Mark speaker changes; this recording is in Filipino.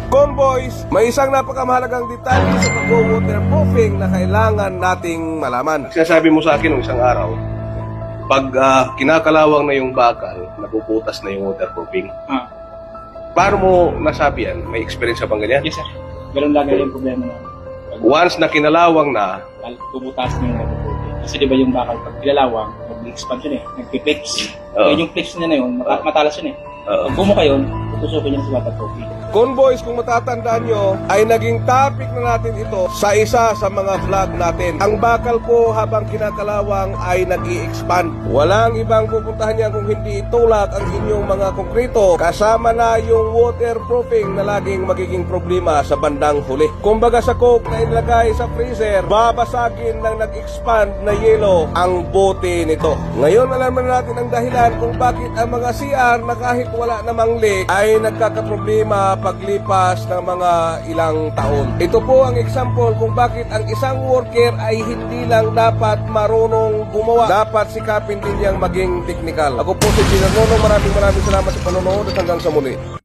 Speaker 1: Convoys, may isang napakamahalagang detalye sa pag-waterproofing na kailangan nating malaman. Sinasabi mo sa akin ng isang araw, pag kinakalawang na yung bakal, napuputas na yung waterproofing. Paano mo nasabi yan? May experience ka bang ganyan?
Speaker 2: Yes, sir. Ganun lagi yung problema na.
Speaker 1: Once na kinalawang na,
Speaker 2: Tumutas na yung waterproofing. Kasi di ba yung bakal, pag kilalawang, mag-expand yun eh. Nagpipix.
Speaker 1: Oo.
Speaker 2: Kaya yung fix niya na yun, matalas yun eh. Pag bumuka yun, tutusukin niya sa waterproofing.
Speaker 1: Convoys, kung matatandaan nyo, ay naging topic na natin ito sa isa sa mga vlog natin. Ang bakal po habang kinakalawang ay nag-i-expand. Walang ibang pupuntahan niya kung hindi itulak ang inyong mga konkrito. Kasama na yung waterproofing na laging magiging problema sa bandang huli. Kumbaga sa coke na inilagay sa freezer, babasagin ng nag-expand na yelo ang bote nito. Ngayon alam na natin ang dahilan kung bakit ang mga CR na kahit wala namang leak ay nagkakaproblema paglipas ng mga ilang taon. Ito po ang example kung bakit ang isang worker ay hindi lang dapat marunong gumawa. Dapat sikapin din niyang maging technical. Ako po si Gino Nono. Maraming salamat sa panonood at hanggang sa muli.